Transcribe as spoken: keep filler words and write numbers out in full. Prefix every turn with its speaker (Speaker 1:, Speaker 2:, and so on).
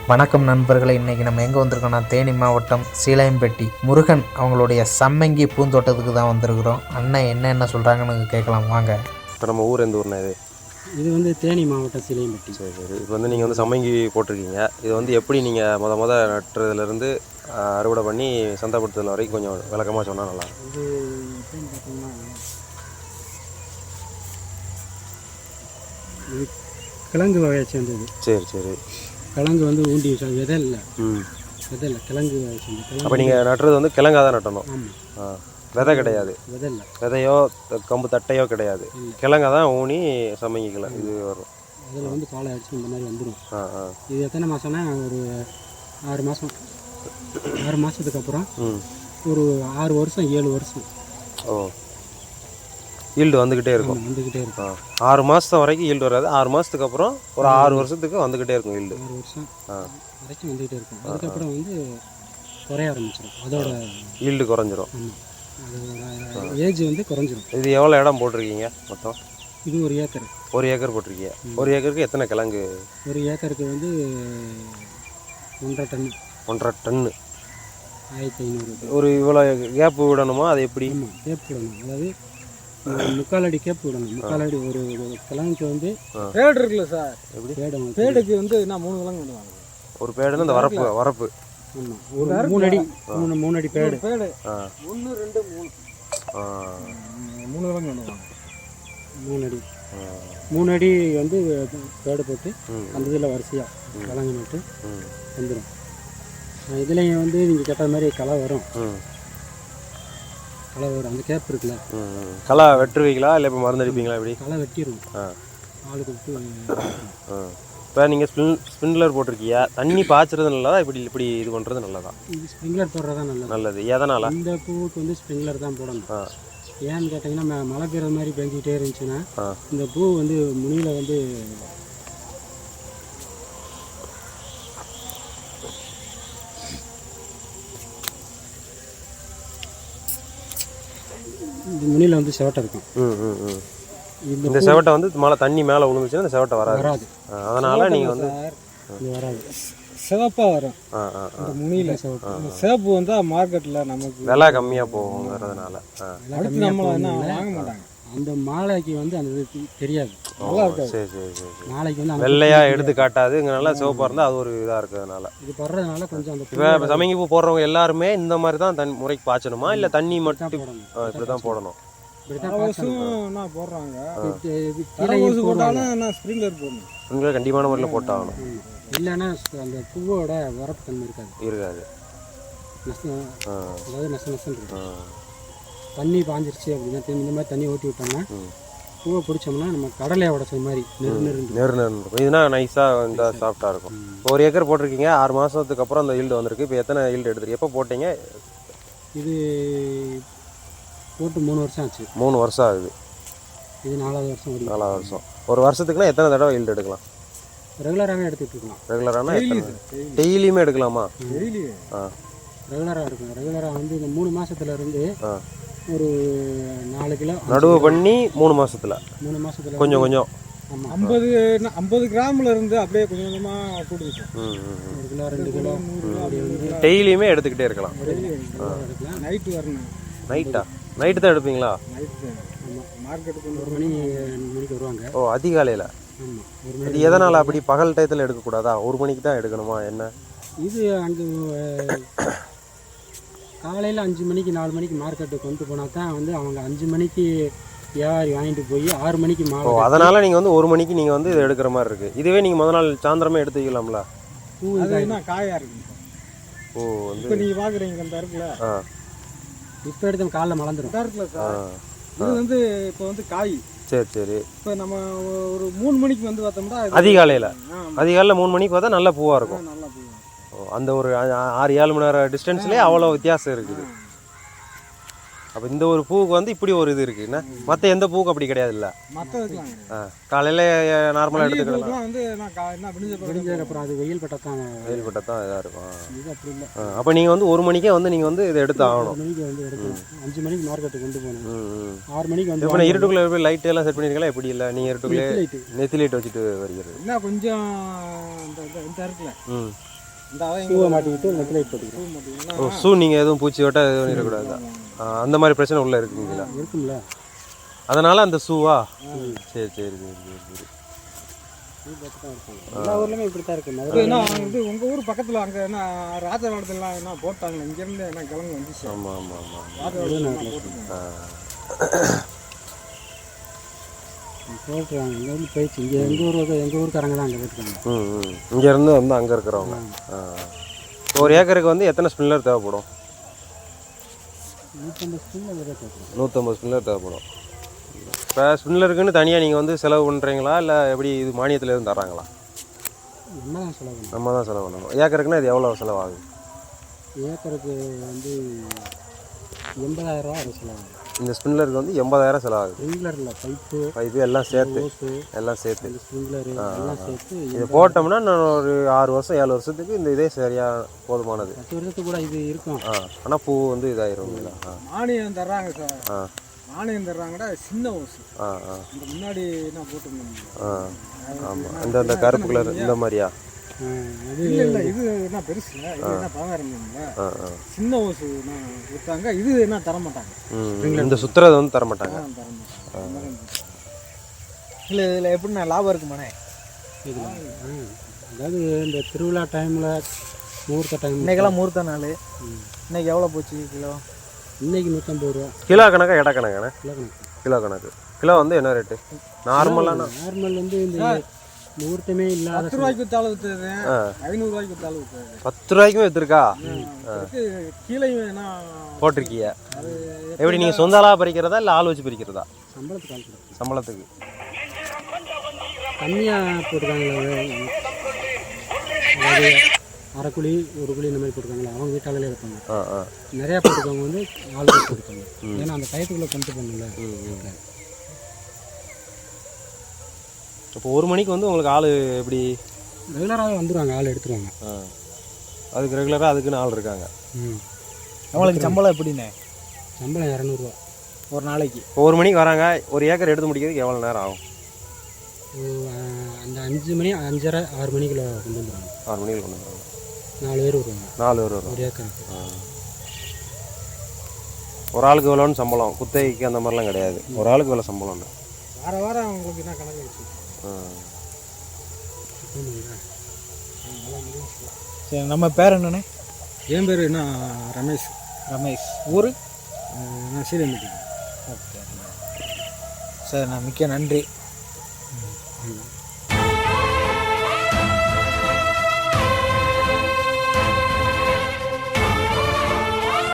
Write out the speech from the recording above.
Speaker 1: வணக்கம் நண்பர்களை, இன்றைக்கி நம்ம எங்கே வந்திருக்கோம்னா தேனி மாவட்டம் சீலையம்பட்டி முருகன் அவங்களுடைய சம்மங்கி பூந்தோட்டத்துக்கு தான் வந்திருக்கிறோம். அண்ணன் என்ன என்ன சொல்கிறாங்கன்னு கேட்கலாம் வாங்க.
Speaker 2: இப்போ நம்ம ஊர் எந்த ஊர்னா இது?
Speaker 3: இது வந்து தேனி மாவட்டம் சீலையம்பட்டி.
Speaker 2: சரி சரி இப்போ வந்து நீங்கள் வந்து சம்மங்கி போட்டிருக்கீங்க. இது வந்து எப்படி நீங்கள் முத முத நட்டுறதுலேருந்து அறுவடை பண்ணி சந்தைப்படுத்துதல் வரைக்கும் கொஞ்சம் விளக்கமாக சொன்னால் நல்லா.
Speaker 3: இது எப்படின்னு பார்த்தோம்னா, இது கிழங்கு வகையை சேர்ந்தது.
Speaker 2: சரி சரி
Speaker 3: கிழங்கு வந்து ஊண்டி விதை இல்லை.
Speaker 2: ம்
Speaker 3: விதை இல்லை, கிழங்கு வகை சேர்ந்தது.
Speaker 2: அப்போ நீங்கள் நட்டுறது வந்து கிழங்காக தான் நட்டணும்.
Speaker 3: ஆமாம்,
Speaker 2: ஆ விதை கிடையாது,
Speaker 3: விதை இல்லை,
Speaker 2: விதையோ கம்பு தட்டையோ கிடையாது, கிழங்கா தான் ஊனி சம்மங்கி கிழங்கு இது வரும்.
Speaker 3: அதில் வந்து காலை அடிச்சு இந்த மாதிரி வந்துடும்.
Speaker 2: ஆ ஆ
Speaker 3: இது எத்தனை மாதம்னா ஒரு ஆறு மாதம். ஆறு மாதத்துக்கு அப்புறம்
Speaker 2: ம்
Speaker 3: ஒரு ஆறு வருஷம் ஏழு வருஷம்
Speaker 2: ஓ ஈல்டு வந்துக்கிட்டே இருக்கும்.
Speaker 3: வந்துக்கிட்டே இருக்கும்.
Speaker 2: ஆறு மாதம் வரைக்கும் ஈல்டு வராது. ஆறு மாதத்துக்கு அப்புறம் ஒரு ஆறு வருஷத்துக்கு வந்துக்கிட்டே இருக்கும் ஈல்டு.
Speaker 3: ஆறு வருஷம் வரைக்கும் வந்துக்கிட்டே இருக்கும். அதுக்கப்புறம் வந்து குறைய ஆரம்பிச்சிடும், அதோட
Speaker 2: ஈல்டு குறைஞ்சிரும்.
Speaker 3: ஆமாம், அதோட ஏஜ் வந்து குறைஞ்சிரும்.
Speaker 2: இது எவ்வளோ இடம் போட்டிருக்கீங்க மொத்தம்?
Speaker 3: இது ஒரு ஏக்கர்.
Speaker 2: ஒரு ஏக்கர் போட்டிருக்கீங்க. ஒரு ஏக்கருக்கு எத்தனை கிழங்கு?
Speaker 3: ஒரு ஏக்கருக்கு வந்து ஒன்றரை டன்.
Speaker 2: ஒன்றரை டன்னு.
Speaker 3: ஆயிரத்தி ஐநூறு.
Speaker 2: ஒரு இவ்வளோ கேப்பு விடணுமா? அது எப்படி?
Speaker 3: ஆமாம், கேப் விடணும். அதாவது முக்கால் அடி கேப் விடணும். முக்கால் அடி ஒரு கிழங்குக்கு வந்து
Speaker 4: பேடு இருக்குல்ல சார்,
Speaker 2: எப்படி
Speaker 3: பேடு
Speaker 4: பேடுக்கு வந்து நான் மூணு கிழங்கு விடுவாங்க.
Speaker 2: ஒரு பேடுன்னு இந்த வரப்பு வரப்பு
Speaker 3: ஆமாம், ஒரு மூணு அடி மூணு மூணு அடி பேடு.
Speaker 4: பேடு
Speaker 2: ஆ
Speaker 4: ஒன்று ரெண்டு மூணு
Speaker 2: ஆ
Speaker 4: மூணு கிழங்கு விடுவாங்க.
Speaker 3: மூணு அடி மூணு அடி வந்து பேடு போட்டு
Speaker 2: ம்
Speaker 3: அந்த இதில் வரிசையாக கிழங்கு நட்டு
Speaker 2: ம்
Speaker 3: வந்துடும். இதுலேயும் வந்து நீங்கள் கேட்ட மாதிரி களை வரும்.
Speaker 2: ம்
Speaker 3: களை வரும். அந்த கேப் இருக்குல்ல,
Speaker 2: ம் களை வெட்டுருவீங்களா இல்லை இப்போ மருந்து அடிப்பீங்களா? எப்படி?
Speaker 3: களை வெட்டிடும்.
Speaker 2: ஆ
Speaker 3: ஆளுக்கு விட்டு
Speaker 2: ஆ இப்போ நீங்கள் ஸ்பின் ஸ்பின்லர் போட்டிருக்கீங்க. தண்ணி பாய்ச்சறது நல்லதா, இப்படி இப்படி இது பண்ணுறது நல்லதா?
Speaker 3: இது ஸ்ப்ரிங்க்லர் போடுறது தான் நல்லது.
Speaker 2: நல்லது. எதனால்?
Speaker 3: இந்த பூவுக்கு வந்து ஸ்ப்ரிங்க்லர் தான் போடணும்.
Speaker 2: ஆ
Speaker 3: ஏன்னு கேட்டிங்கன்னா, ம மழை பெய்கிற மாதிரி பெஞ்சிக்கிட்டே இருந்துச்சுன்னா
Speaker 2: ஆ
Speaker 3: இந்த பூ வந்து முனியில் வந்து இந்த முனியில் வந்து செவட்டை இருக்கும்.
Speaker 2: ம் ம் ம் இந்த செவட்டை வந்து மழை தண்ணி மேலே விழுந்துச்சுன்னா இந்த செவட்டை வராது.
Speaker 3: வராது.
Speaker 2: அதனால் நீங்கள் வந்து
Speaker 3: இது வராது,
Speaker 4: சிவப்பாக வரும்.
Speaker 2: ஆ ஆ ஆ
Speaker 4: இந்த முனியில்
Speaker 3: செவட்டை.
Speaker 4: இந்த சிவப்பு வந்தால் மார்க்கெட்டில் நமக்கு
Speaker 2: விலை கம்மியாக போகுங்கிறதுனால. ஆ
Speaker 4: அடுத்து நம்மளை என்ன வாங்க மாட்டாங்க.
Speaker 3: அந்த மாலைக்கு வந்து அந்த இது தெரியாது.
Speaker 2: நல்லா இருக்காது. சரி சரி சரி சரி
Speaker 3: நாளைக்கு வந்து அந்த
Speaker 2: வெள்ளையாக எடுத்து காட்டாதுங்கிறனால சிவப்பாக இருந்தால் அது ஒரு இதாக இருக்கிறதுனால.
Speaker 3: இது படுறதுனால கொஞ்சம் அந்த
Speaker 2: இப்போ இப்போ சமைங்கி பூ போடுறவங்க எல்லாருமே இந்த மாதிரி தான் தண்ணி முறைக்கு பாய்ச்சணுமா, இல்லை தண்ணி மட்டும்
Speaker 3: போடணும்.
Speaker 2: இப்படி தான் போடணும்?
Speaker 3: இப்படி தான்
Speaker 4: தரவசும் என்ன போடுறாங்க.
Speaker 3: கீழே
Speaker 4: தரவசு போட்டாலும் என்ன ஸ்ப்ரிங்க்லர் போடணும்.
Speaker 2: உங்களை கண்டிப்பான முறையில் போட்டாகணும்.
Speaker 3: இல்லைன்னா அந்த பூவோட வரப்பு தன்மை இருக்காது.
Speaker 2: இருக்காது.
Speaker 3: நஷ்டம்,
Speaker 2: ஆ
Speaker 3: அதாவது நஷ்டம் நஷ்டம் இருக்கும்.
Speaker 2: ஆ
Speaker 3: தண்ணி பாஞ்சிருச்சு அப்படின்னா திரும்பி இந்த மாதிரி தண்ணி ஊற்றி விட்டோம்னா
Speaker 2: ம்
Speaker 3: பூவை பிடிச்சோம்னா நம்ம கடலையை உடச்ச மாதிரி நெரு நெரு
Speaker 2: நெரு நெரு இருக்கும். இதுனா நைஸாக இந்த சாஃப்டாக இருக்கும். இப்போ ஒரு ஏக்கர் போட்டிருக்கீங்க. ஆறு மாதத்துக்கு அப்புறம் அந்த ஈல்டு வந்திருக்கு. இப்போ எத்தனை ஈல்டு எடுத்துருக்கு? எப்போ போட்டீங்க?
Speaker 3: இது போட்டு மூணு வருஷம் ஆச்சு.
Speaker 2: மூணு வருஷம் ஆகுது.
Speaker 3: இது நாலாவது வருஷம் ஓடி.
Speaker 2: நாலாவது வருஷம். ஒரு வருஷத்துக்குன்னா எத்தனை தடவை ஈல்டு எடுக்கலாம்?
Speaker 3: ரெகுலராகவே எடுத்துகிட்டு இருக்கலாம்.
Speaker 2: ரெகுலரானா டெய்லியுமே எடுக்கலாமா?
Speaker 4: டெய்லி
Speaker 2: ஆ
Speaker 3: ரெகுலராக இருக்கும். ரெகுலராக வந்து இந்த மூணு மாதத்துல இருந்து
Speaker 2: ஆ
Speaker 3: ஒரு நாலு கிலோ
Speaker 2: நடுவு பண்ணி மூணு மாசத்துல
Speaker 3: மூணு மாதத்துல
Speaker 2: கொஞ்சம் கொஞ்சம்.
Speaker 3: ஆமாம்,
Speaker 4: ஐம்பது ஐம்பது கிராமில் இருந்து அப்படியே கொஞ்சம் கொஞ்சமாக கூடுது.
Speaker 2: ம் ம்
Speaker 3: ஒரு கிலோ ரெண்டு கிலோ அப்படி வந்து
Speaker 2: டெய்லியுமே எடுத்துக்கிட்டே இருக்கலாம்.
Speaker 3: எடுக்கலாம்.
Speaker 4: நைட்டு வரணும்.
Speaker 2: நைட்டா? நைட்டு தான் எடுப்பீங்களா?
Speaker 4: நைட்டு
Speaker 3: ஆமாம்,
Speaker 4: மார்க்கெட்டுக்கு
Speaker 3: ஒரு மணி ரெண்டு மணிக்கு வருவாங்க.
Speaker 2: ஓ அதிகாலையில்.
Speaker 3: ஆமாம், ஒரு
Speaker 2: இது
Speaker 3: மணி.
Speaker 2: எதனால் அப்படி பகல் டயத்தில் எடுக்கக்கூடாதா? ஒரு மணிக்கு தான் எடுக்கணுமா என்ன?
Speaker 3: இது அங்கே காலையில் அஞ்சு மணிக்கு நாலு மணிக்கு மார்க்கெட்டுக்கு கொண்டு போனால் தான் வந்து அவங்க அஞ்சு மணிக்கு வியாபாரி வாங்கிட்டு போய் ஆறு மணிக்கு
Speaker 2: ஓ
Speaker 3: மாலை
Speaker 2: அதனால் நீங்கள் வந்து ஒரு மணிக்கு நீங்கள் வந்து இது எடுக்கிற மாதிரி இருக்குது. இதுவே நீங்கள் முத நாள் சாயந்தரமே எடுத்துக்கலாம்ல?
Speaker 3: பூ
Speaker 4: அது
Speaker 3: இதாக
Speaker 4: என்ன காயாக இருக்கு.
Speaker 2: ஓ வந்து
Speaker 4: இப்போ நீங்கள் பார்க்குறீங்க இந்த இருக்குல்ல,
Speaker 2: ஆ
Speaker 3: இப்போ எடுத்து காலைல மலர்ந்துடும்.
Speaker 4: இந்த இருக்குல்ல
Speaker 2: ஆ
Speaker 4: சார், இது வந்து இப்போ வந்து காய்.
Speaker 2: சரி சரி.
Speaker 4: இப்போ நம்ம ஒரு மூணு மணிக்கு வந்து பார்த்தோம்னா
Speaker 2: அதிகாலையில்
Speaker 4: ஆ,
Speaker 2: அதிகாலையில் மூணு மணிக்கு பார்த்தா நல்ல பூவாக இருக்கும்.
Speaker 4: நல்லா போகும்.
Speaker 2: ஓ அந்த ஒரு ஆ- ஆறு ஏழு மணி நேரம் டிஸ்டன்ஸ்லேயே அவ்வளோ வித்தியாசம் இருக்குது. அப்போ இந்த ஒரு பூவுக்கு வந்து இப்படி ஒரு இது இருக்குன்னா மற்ற எந்த பூவுக்கு அப்படி கிடையாது இல்லை?
Speaker 4: மற்ற வைக்கலாம்.
Speaker 2: ஆ காலையில் நார்மலாக எடுத்துக்கலாம்.
Speaker 4: இதுக்கெல்லாம் வந்து நான் கா- என்ன விடிஞ்ச பிறகு
Speaker 3: விடிஞ்சதுக்கப்புறம் அது வெயில் பட்டா தான்.
Speaker 2: வெயில்பட்ட தான் இதாக இருக்கும்.
Speaker 3: இது அப்படி இல்லை.
Speaker 2: ஆ அப்போ நீங்கள் வந்து ஒரு மணிக்கே வந்து நீங்கள் வந்து இதை எடுத்து ஆகணும்.
Speaker 3: ஆறு மணிக்கு வந்து எடுக்கணும். அஞ்சு மணிக்கு மார்க்கெட்டுக்கு கொண்டு போகணும்.
Speaker 2: ம் ம்
Speaker 3: ஆறு மணிக்கு வந்து
Speaker 2: இப்போ இருட்டுக்குள்ளே போய் லைட் எல்லாம் செட் பண்ணிருக்கலாம். எப்படி இல்லை நீங்கள் இருட்டுக்குள்ளே
Speaker 3: லைட்டு
Speaker 2: நெத்தி லைட் வச்சுட்டு வருகிறது?
Speaker 4: என்ன கொஞ்சம் இந்த இந்த- இந்த இருக்குல்ல,
Speaker 2: ம்
Speaker 4: இந்த அவன்
Speaker 3: ஷூவை மாட்டிக்கிட்டு நெக்லைட் போட்டுக்கிறோம்.
Speaker 4: மாட்டீங்கன்னா
Speaker 2: ஓ ஷூ நீங்கள் எதுவும் பூச்சி ஓட்ட எதுவும் பண்ணிடக்கூடாது. அந்த மாதிரி பிரச்சனை உள்ளே இருக்குங்களா?
Speaker 3: இருக்கும்ல.
Speaker 2: அதனால் அந்த ஷூவா? சரி சரி சரி சரி சரி
Speaker 3: ஷூ பார்த்து தான் இருக்கும். எல்லா ஊர்லேயுமே இப்படி தான் இருக்குது.
Speaker 4: இப்போ
Speaker 3: மதுரை
Speaker 4: என்ன இது உங்கள் ஊர் பக்கத்தில் அங்கே என்ன ராஜபாடத்துலாம் என்ன போட்டாங்களே இங்கேருந்து என்ன கிழங்கு வந்துச்சு.
Speaker 2: ஆமாம் ஆமாம் ஆமாம்.
Speaker 4: ராஜபாடத்தில் போட்டுருக்காங்க.
Speaker 3: போட்டுருவாங்க. இங்கேருந்து போயிடுச்சு. இங்கே எங்கள் ஊர் எங்கள் ஊருக்காரங்க தான் அங்கே போட்டுருக்காங்க.
Speaker 2: ம் ம் இங்கேருந்து வந்து அங்கே இருக்கிறவங்க. ஆ ஒரு ஏக்கருக்கு வந்து எத்தனை ஸ்பின்னர் தேவைப்படும்?
Speaker 3: நூற்றம்பது ஸ்பூன் அதில் போட்டுருவோம்.
Speaker 2: நூற்றம்பது ஸ்பின்னர் தேவைப்படும். இப்போ ஸ்பின்னருக்குன்னு தனியாக நீங்கள் வந்து செலவு பண்ணுறீங்களா இல்லை எப்படி இது மானியத்தில் எதுவும் தர்றாங்களா?
Speaker 3: நம்ம தான் செலவு பண்ணணும்.
Speaker 2: நம்ம தான் செலவு பண்ணணும். ஏக்கருக்குன்னா இது எவ்வளோ செலவாகுது?
Speaker 3: ஏக்கருக்கு வந்து எண்பதாயிரம் ரூபா அது செலவாகும்.
Speaker 2: இந்த ஸ்பின்னருக்கு வந்து எண்பதாயிரம் செலவாகுது.
Speaker 3: ஸ்ப்ரிங்க்லரில் பைப்பு
Speaker 2: பைப்பு எல்லாம் சேர்த்து
Speaker 3: ஓஸு
Speaker 2: எல்லாம் சேர்த்து
Speaker 3: இந்த ஸ்ப்ரிங்க்லரு எல்லாம் சேர்த்து
Speaker 2: இது போட்டோம்னா நான் ஒரு ஆறு வருஷம் ஏழு வருஷத்துக்கு இந்த இதே சரியாக போதுமானது.
Speaker 3: பத்து வருஷத்துக்கு கூட இது இருக்கும்.
Speaker 2: ஆ ஆனால் பூ வந்து இதாயிரும். ஆ
Speaker 4: மானியம் தர்றாங்க சார்.
Speaker 2: ஆ
Speaker 4: மானியம் தர்றாங்கடா சின்ன ஓசு.
Speaker 2: ஆ ஆ
Speaker 4: இந்த முன்னாடி என்ன போட்டுருந்தோம்.
Speaker 2: ஆ ஆமாம். இந்த இந்த கருப்பு கலர் இந்த மாதிரியா?
Speaker 3: அது
Speaker 4: இல்லை இல்லை இது என்ன பெருசு இல்லை. இது என்ன பதினாயிரம் இல்லை.
Speaker 2: ஆ ஆ
Speaker 4: சின்ன ஓசு நான் கொடுத்தாங்க. இது என்ன தர மாட்டாங்க.
Speaker 2: ம் இந்த சுற்றுறது வந்து தர மாட்டாங்க.
Speaker 4: ஆ, தர மாட்டாங்க. இல்லை இதில் எப்படின்னா லாபம் இருக்குமாண்ணே?
Speaker 3: இதில் அதாவது இந்த திருவிழா டைமில் முகூர்த்த டைம்
Speaker 4: இன்னைக்கெல்லாம் முகூர்த்த நாள். இன்னைக்கு எவ்வளோ போச்சு கிலோ?
Speaker 3: இன்னைக்கு நூற்றம்பது ரூபா
Speaker 2: கிலோ கணக்கா எடை கணக்கானே?
Speaker 3: கிலோ கணக்கு.
Speaker 2: கிலோ கணக்கு. கிலோ வந்து என்ன ரேட்டு? நார்மலான
Speaker 3: நார்மல் வந்து இந்த முகூர்த்தமே இல்லாத
Speaker 4: பத்து ரூபாய்க்கு வித்தாலும் வித்துது.
Speaker 2: ஆ
Speaker 4: ஐநூறுரூவாய்க்கு வித்தாலும் வித்துது.
Speaker 2: பத்து ரூபாய்க்கும் விற்றுருக்கா?
Speaker 4: கீழே என்ன
Speaker 2: போட்டிருக்கீங்க.
Speaker 4: அது
Speaker 2: எப்படி நீங்கள் சொந்த ஆளாக பறிக்கிறதா இல்லை ஆள் வச்சு பறிக்கிறதா?
Speaker 3: சம்பளத்துக்கு ஆள் கொடுக்கும்.
Speaker 2: சம்பளத்துக்கு
Speaker 3: கம்மியாக போட்டுருக்காங்களே, அதாவது அரை குழி ஒரு குழி இந்த மாதிரி போட்டுருக்காங்களா, அவங்க வீட்டாலே இருப்பாங்க.
Speaker 2: ஆ ஆ
Speaker 3: நிறையா போட்டுருக்கவங்க வந்து ஆள் போட்டுருக்காங்க. ஏன்னா அந்த டயத்துக்குள்ளே கொண்டு போகணும்ல.
Speaker 2: இப்போ ஒரு மணிக்கு வந்து உங்களுக்கு ஆள் எப்படி?
Speaker 3: ரெகுலராகவே வந்துடுவாங்க, ஆள் எடுத்துருவாங்க.
Speaker 2: ஆ அதுக்கு ரெகுலராக அதுக்குன்னு ஆள் இருக்காங்க.
Speaker 3: ம்
Speaker 4: அவங்களுக்கு சம்பளம் எப்படிண்ணே?
Speaker 3: சம்பளம் இரநூறுவா
Speaker 4: ஒரு நாளைக்கு.
Speaker 2: இப்போ ஒரு மணிக்கு வராங்க, ஒரு ஏக்கர் எடுத்து முடிக்கிறதுக்கு எவ்வளோ நேரம் ஆகும்?
Speaker 3: அந்த அஞ்சு மணி அஞ்சரை ஆறு மணிக்குள்ள கொண்டு வந்துடுவாங்க.
Speaker 2: ஆறு மணிக்கு கொண்டு வந்துடுவாங்க.
Speaker 3: நாலு பேர் வருவாங்க.
Speaker 2: நாலு பேர் வரும்
Speaker 3: ஒரு ஏக்கருக்கு.
Speaker 2: ஒரு ஆளுக்கு எவ்வளோன்னு சம்பளம்? குத்தகைக்கு அந்த மாதிரிலாம் கிடையாது. ஒரு ஆளுக்கு எவ்வளோ சம்பளம்?
Speaker 4: வார வாரம் அவங்களுக்கு என்ன கணக்கு வச்சு? சரி, நம்ம பேர் என்னண்ணே?
Speaker 3: என் பேர் என்ன ரமேஷ்.
Speaker 4: ரமேஷ். ஊர்?
Speaker 3: நான் சீரம்பட்டி.
Speaker 4: ஓகே. சரி, நான் மிக்க நன்றி.
Speaker 3: ம்